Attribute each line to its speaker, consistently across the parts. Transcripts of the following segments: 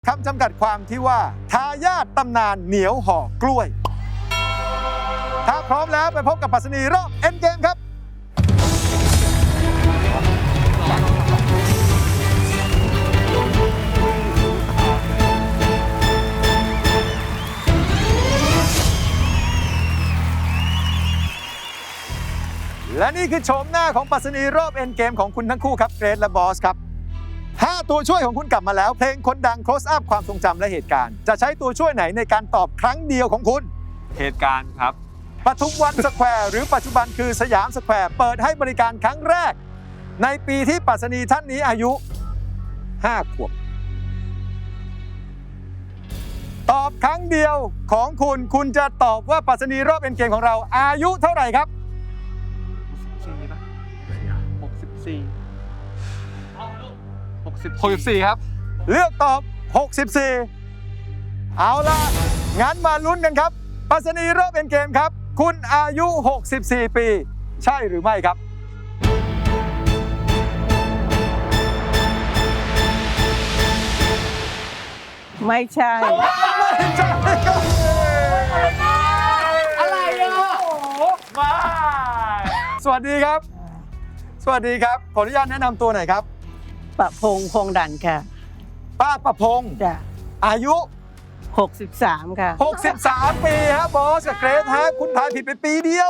Speaker 1: คำจำกัดความที่ว่าทายาทตำนานเหนียวห่อกล้วย ถ้าพร้อมแล้วไปพบกับปรัชนีรอบเอ็นเกมครับและนี่คือโฉมหน้าของปรัชนีรอบเอ็นเกมของคุณทั้งคู่ครับเกรทและบอสครับ5ตัวช่วยของคุณกลับมาแล้วเพลงคนดัง close up ความทรงจำและเหตุการณ์จะใช้ตัวช่วยไหนในการตอบครั้งเดียวของคุณ
Speaker 2: เหตุการณ์ครับ
Speaker 1: ปทุมวันสแควร์หรือปัจจุบันคือสยามสแควร์เปิดให้บริการครั้งแรกในปีที่ปรัชนีท่านนี้อายุ5 ขวบตอบครั้งเดียวของคุณจะตอบว่าปรัชนีรอบเอ็นเกมของเราอายุเท่าไหร่ครับ
Speaker 2: 64ครับ
Speaker 1: เลือกตอบ 64 เอาล่ะ งั้นมาลุ้นกันครับปรัชนีรอบเอ็นเกมครับ คุณอายุ 64 ปี ใช่หรือไม่ครับ
Speaker 3: ไม่ใช่
Speaker 1: ไม่ใช่ครับ
Speaker 2: อะไรอ่ะมา
Speaker 1: สวัสดีครับ สวัสดีครับ ขออนุญาตแนะนำตัวหน่อยครับ
Speaker 3: ประพงษ์พงษ์ดันค่ะ
Speaker 1: ป้าประพงษ์
Speaker 3: จ้ะ
Speaker 1: อายุ
Speaker 3: 63 ค่ะ
Speaker 1: 63 ปีฮะบอสกับเกรทฮะคุณทายผิดไปปีเดียว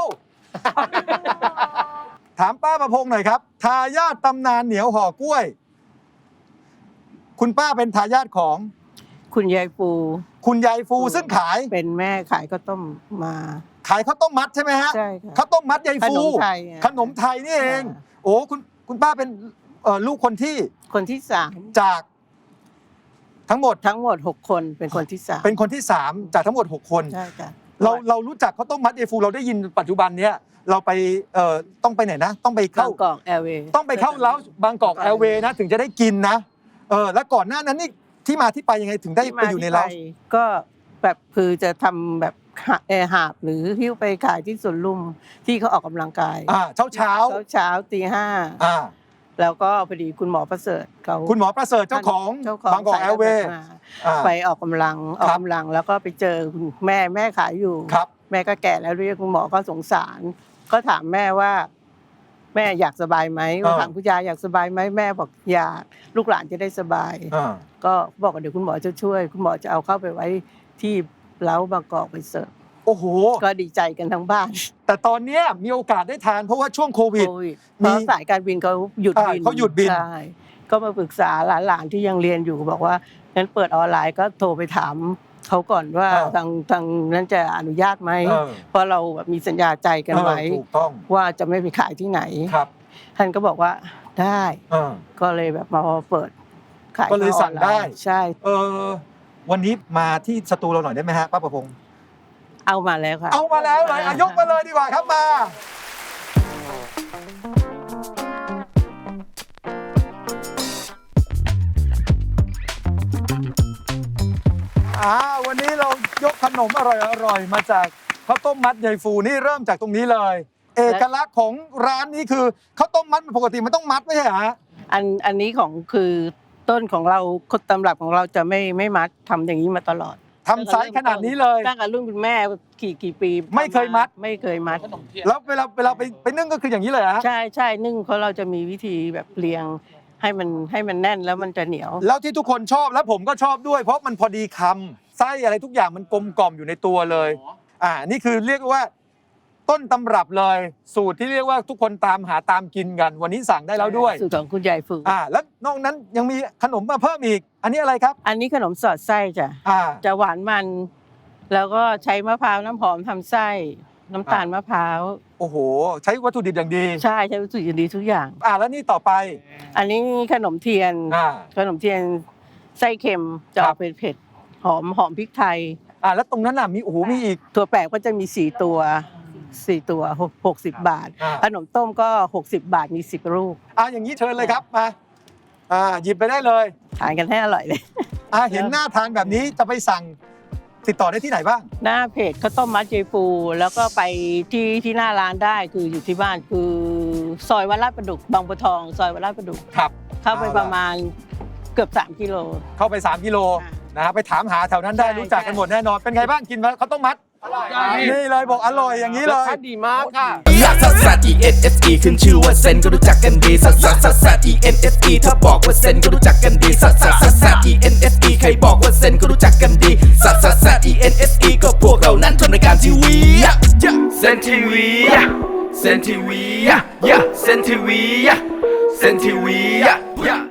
Speaker 1: ถามป้าประพงษ์หน่อยครับ ทายาทตำนานเหนียวห่อกล้วย คุณป้าเป็นทายาทของ
Speaker 3: คุณยายปู
Speaker 1: คุณยายฟูซึ่งขาย
Speaker 3: เป็นแม่ขายข้าวต้มมา
Speaker 1: ขายข้าวต้มมัดใช่ไหมฮะ
Speaker 3: ใช่ค่ะ
Speaker 1: ข้าวต้มมัดยายฟู
Speaker 3: ขนมไทยอะ
Speaker 1: ขนมไทยนี่เอง โอ้คุณป้าเป็นลูกคนที่
Speaker 3: คนที่
Speaker 1: จากทั้งหมด
Speaker 3: 3 ทั้งหมด 6 คนเป็นคนที่ 3
Speaker 1: เป็นคนที่ 3 จากทั้งหมด 6 คน
Speaker 3: ใช่ค่ะ
Speaker 1: เรารู้จักข้าวต้มมัดยายฟูเราได้ยินปัจจุบันเนี้ยเราไปต้องไปไหนนะ ต้องไป
Speaker 3: บา
Speaker 1: เข้าง
Speaker 3: กอกแอร์เวย์
Speaker 1: ต้องไปเข้าเล้าบางกอกแอร์เวย์นะถึงจะได้กินนะแล้วก่อนหน้านั้นนี่ที่มาที่ไปยังไงถึงได้ไปอยู่ในเล้า
Speaker 3: ก็แบบคือจะทำแบบหาบหรือหิ้วไปขายที่สวนลุมที่เขาออกกำลังกาย
Speaker 1: เช้า
Speaker 3: เช้าตี
Speaker 1: อ่า
Speaker 3: 5แล้วก็พอดีคุณหมอประเสริฐเขา
Speaker 1: คุณหมอประเสริฐเจ้าของบางกอกแอร์เวย์
Speaker 3: ไปออกกำลังแล้วก็ไปเจอคุณแม่ขายอยู่
Speaker 1: ครับ
Speaker 3: แม่ก็แก่แล้วเรียกคุณหมอก็สงสาร ก็ถามแม่ว่า แม่อยากสบายไหมถามคุณยายอยากสบายไหมแม่บอกอยากลูกหลานจะได้สบาย ก็บอกว่าเดี๋ยวคุณหมอจะช่วย คุณหมอจะเอาเข้าไปไว้ที่เล้าบางกอกไปเสิร์ฟ
Speaker 1: โอ้โห
Speaker 3: ก็ดีใจกันทั้งบ้าน
Speaker 1: แต่ตอนเนี้ยมีโอกาสได้ทานเพราะว่าช่วงโควิด
Speaker 3: เพราะสายการบินเขาหยุดบิน
Speaker 1: เขาหยุดบิน
Speaker 3: ใช่ก็มาปรึกษาหลานๆที่ยังเรียนอยู่บอกว่างั้นเปิดออนไลน์ก็โทรไปถามเขาก่อนว่าทางนั้นจะอนุญาตไหมเพราะเราแบบมีสัญญาใจกันไว้
Speaker 1: ถูกต้อง
Speaker 3: ว่าจะไม่ไปขายที่ไหน
Speaker 1: ครับ
Speaker 3: ท่านก็บอกว่าได้ก็เลยแบบมาเปิดขาย
Speaker 1: ก็เลยสั่งได้
Speaker 3: ใช่
Speaker 1: วันนี้มาที่สตูเราหน่อยได้ไหมฮะป้าประพงษ์
Speaker 3: เอามาแล้วค่ะ
Speaker 1: เอามาแล้วเลยยกมาเลยดีกว่าครับมาวันนี้เรายกขนมอร่อยๆมาจากข้าวต้มมัดยายฟูนี่เริ่มจากตรงนี้เลย เอกลักษณ์ของร้านนี้คือข้าวต้มมัดปกติมันต้องมัดไม่ใช่เหรอฮะ
Speaker 3: อันนี้ของคือต้นของเราคนตำรับของเราจะไม่มัดทำอย่างนี้มาตลอด
Speaker 1: ทำไซส์ขนาดนี้เลย
Speaker 3: ตั้งแต่รุ่นคุณแม่กี่ปี
Speaker 1: ไม่เคยมัดแล้วเวลาไปนึ่งก็คืออย่างนี้เลยฮะ
Speaker 3: ใช่นึ่งเพราะเราจะมีวิธีแบบเรียงให้มันแน่นแล้วมันจะเหนียว
Speaker 1: แล้วที่ทุกคนชอบแล้วผมก็ชอบด้วยเพราะมันพอดีคำไส้อะไรทุกอย่างมันกลมกล่อมอยู่ในตัวเลยนี่คือเรียกว่าต้นตำรับเลยสูตรที่เรียกว่าทุกคนตามหาตามกินกันวันนี้สั่งได้แล้วด้วย
Speaker 3: สูตรของคุณยายฝึก
Speaker 1: แล้วนอกนั้นยังมีขนมมาเพิ่มอีกอันนี้อะไรครับ
Speaker 3: อันนี้ขนมสอดไส้จ้ะจะหวานมันแล้วก็ใช้มะพร้าวน้ำหอมทำไส้น้ำตาลมะพร้าว
Speaker 1: โอ้โหใช้วัตถุดิบอย่างดี
Speaker 3: ใช่ใช้วัตถุดิบอย่างดีทุกอย่าง
Speaker 1: แล้วนี่ต่อไป
Speaker 3: อันนี้ขนมเทียนไส้เค็มจะออกเผ็ดหอมพริกไทย
Speaker 1: แล้วตรงนั้นมีมีอีก
Speaker 3: ตัวแปลกก็จะมี4 ตัว60 บาทขนมต้มก็60 บาทมี10 ลูก
Speaker 1: อย่างนี้เชิญเลยครับมาหยิบไปได้เลย
Speaker 3: ทานกันให้อร่อยเลย
Speaker 1: เห็นหน้าทานแบบนี้จะไปสั่งติดต่อได้ที่ไหนบ้าง
Speaker 3: หน้าเพจข้าวต้มมัดยายฟูแล้วก็ไปที่หน้าร้านได้คืออยู่ที่บ้านคือซอยวัดลาดประดุกบางบัวทองซอยวัดลาดประดุก
Speaker 1: ครับ
Speaker 3: เข้าไปประมาณเกือบ3 กิโล
Speaker 1: เข้าไป3 กิโลนะฮะไปถามหาแถวนั้นได้
Speaker 3: ใช่
Speaker 1: รู้จักกันหมดแน่นอนเป็นไงบ้างกินข้าวต้มมัดนี่เลยบอกอร่อยอย่างนี้เลย
Speaker 2: ดีมากค่ะ
Speaker 4: ลักซัสซัส E N S E ขึ้นชื่อว่าเซนก็รู้จักกันดีซัสซัสซัสซัส E N S E ถ้าบอกว่าเซนก็รู้จักกันดีซัสซัสซัสซัส E N S E ใครบอกว่าเซนก็รู้จักกันดีซัสซัสซัส E N S E ก็พวกเรานั้นทำรายการทีวีเซนทีวีเซนทีวีเซนทีวีเซนทีวี